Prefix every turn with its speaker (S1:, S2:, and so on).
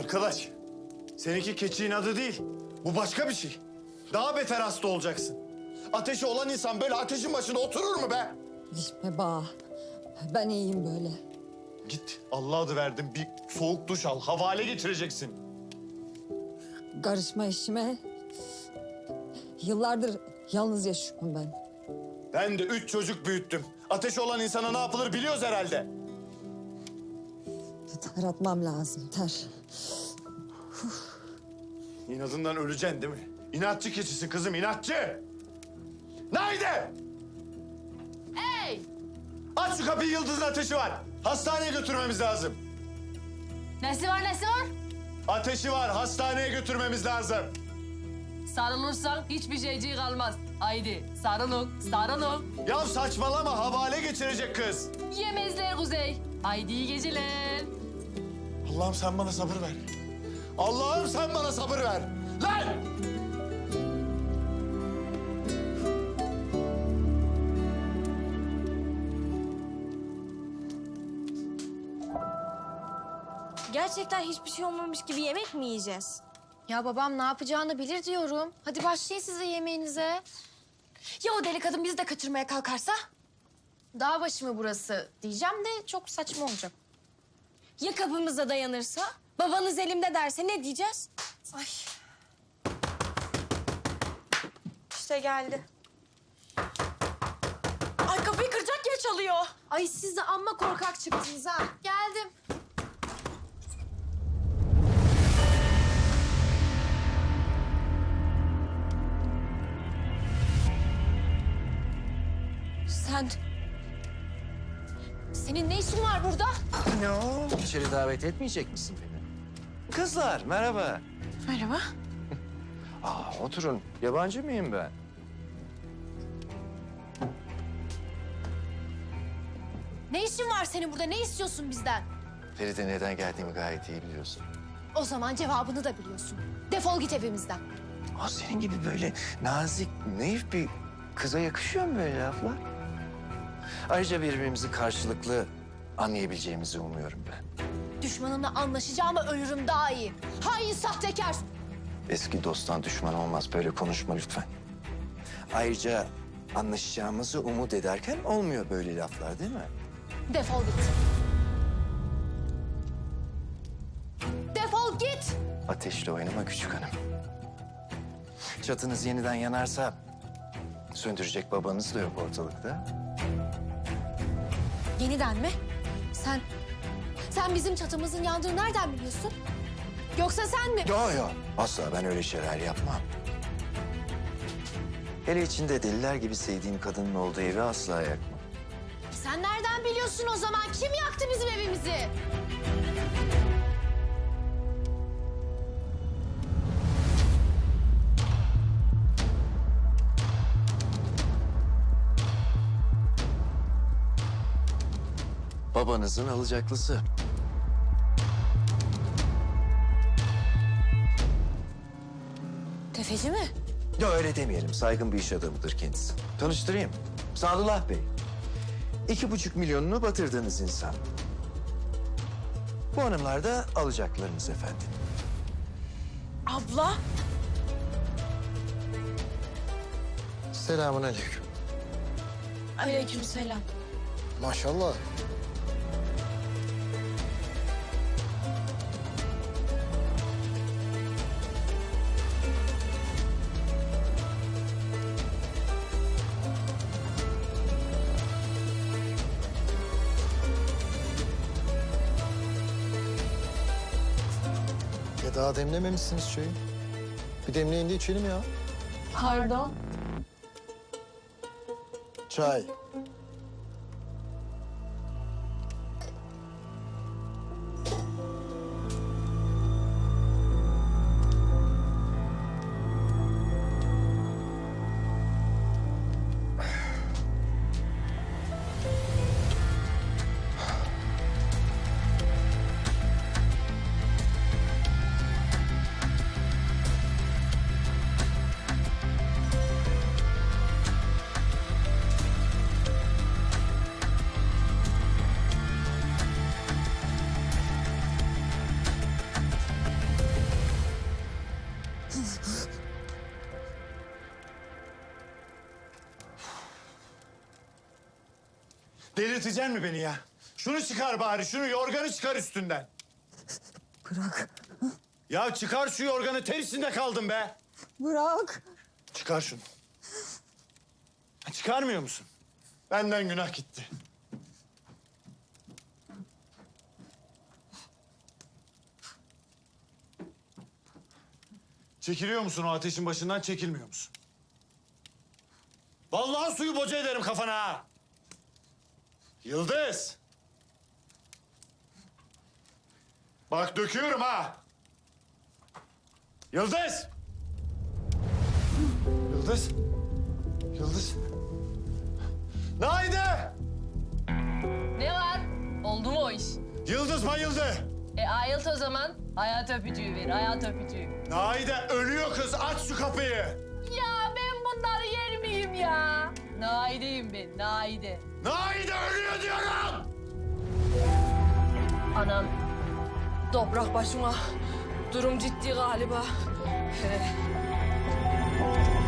S1: Arkadaş, seninki keçiğin adı değil. Bu başka bir şey. Daha beter hasta olacaksın. Ateşi olan insan böyle ateşin başında oturur mu be?
S2: Gitme bağ. Ben iyiyim böyle.
S1: Git, Allah adı verdim. Bir soğuk duş al, havale getireceksin.
S2: Karışma işime. Yıllardır yalnız yaşıyorum ben.
S1: Ben de 3 çocuk büyüttüm. Ateşi olan insana ne yapılır biliyoruz herhalde.
S2: Ter atmam lazım, ter.
S1: İnadından öleceksin değil mi? İnatçı keçisin kızım, inatçı. Nerede?
S3: Hey!
S1: Aç şu kapıyı, Yıldız'ın ateşi var. Hastaneye götürmemiz lazım.
S3: Nesi var nesi var?
S1: Ateşi var, hastaneye götürmemiz lazım.
S3: Sarılırsan hiçbir şeyciği kalmaz. Haydi sarılın, sarılın.
S1: Ya saçmalama, havale geçirecek kız.
S3: Yemezler Kuzey. Haydi iyi geceler.
S1: Allah'ım sen bana sabır ver. Allah'ım sen bana sabır ver. Lan!
S4: Gerçekten hiçbir şey olmamış gibi yemek mi yiyeceğiz?
S5: Ya babam ne yapacağını bilir diyorum. Hadi başlayın siz de yemeğinize.
S4: Ya o deli kadın bizi de kaçırmaya kalkarsa?
S5: Dağ başı mı burası diyeceğim de çok saçma olacak.
S4: Ya kapımıza dayanırsa? Babanız elimde derse ne diyeceğiz? Ay. İşte geldi. Ay kapıyı kıracak gibi çalıyor.
S5: Ay siz de amma korkak çıktınız ha. Geldim.
S4: Sen... Senin ne işin var burada?
S6: Ne o? İçeri davet etmeyecek misin beni? Kızlar, merhaba.
S4: Merhaba.
S6: Oturun. Yabancı mıyım ben?
S5: Ne işin var senin burada? Ne istiyorsun bizden?
S6: Feride neden geldiğimi gayet iyi biliyorsun.
S5: O zaman cevabını da biliyorsun. Defol git evimizden.
S6: Senin gibi böyle nazik, naif bir kıza yakışıyor mu böyle laflar? Ayrıca birbirimizi karşılıklı anlayabileceğimizi umuyorum ben.
S5: Düşmanımla anlaşacağıma ölürüm daha iyi. Hain sahtekar.
S6: Eski dosttan düşman olmaz. Böyle konuşma lütfen. Ayrıca anlaşacağımızı umut ederken olmuyor böyle laflar değil mi?
S5: Defol git. Defol git.
S6: Ateşle oynama küçük hanım. Çatınız yeniden yanarsa söndürecek babanız da yok ortalıkta.
S5: Yeniden mi? Sen bizim çatımızın yandığını nereden biliyorsun? Yoksa sen mi?
S6: Yo, asla ben öyle şeyler yapmam. Hele içinde deliler gibi sevdiğim kadının olduğu evi asla yakmam.
S5: Sen nereden biliyorsun o zaman? Kim yaktı bizim evimizi?
S6: Babanızın alacaklısı.
S4: Tefeci mi?
S6: Yo öyle demeyelim. Saygın bir iş adamıdır kendisi. Tanıştırayım. Sadullah Bey. 2,5 milyonunu batırdığınız insan. Bu hanımlar da alacaklarınız efendim.
S4: Abla.
S6: Selamünaleyküm.
S4: Aleykümselam.
S6: Maşallah.
S7: Daha demlememişsiniz çayı. Bir demleyin de içelim ya.
S4: Pardon.
S7: Çay.
S1: Delirteceksin mi beni ya? Şunu çıkar bari, şunu yorganı çıkar üstünden.
S2: Bırak.
S1: Ya çıkar şu yorganı, tersinde kaldım be.
S2: Bırak.
S1: Çıkar şunu. Ha, çıkarmıyor musun? Benden günah gitti. Çekiliyor musun o ateşin başından, çekilmiyor musun? Vallahi suyu boca ederim kafana ha. Yıldız. Bak döküyorum ha. Yıldız. Yıldız. Yıldız. Naide.
S3: Ne var? Oldu mu o iş?
S1: Yıldız bayıldı.
S3: Ayılt o zaman. Hayat öpücüğü ver, hayat öpücüğü.
S1: Naide ölüyor kız. Aç şu kapıyı.
S3: Ya ben bunları yer miyim ya? Naide'yim ben, Naide.
S1: Naide ölüyor diyorum.
S3: Anam, toprak başıma. Durum ciddi galiba.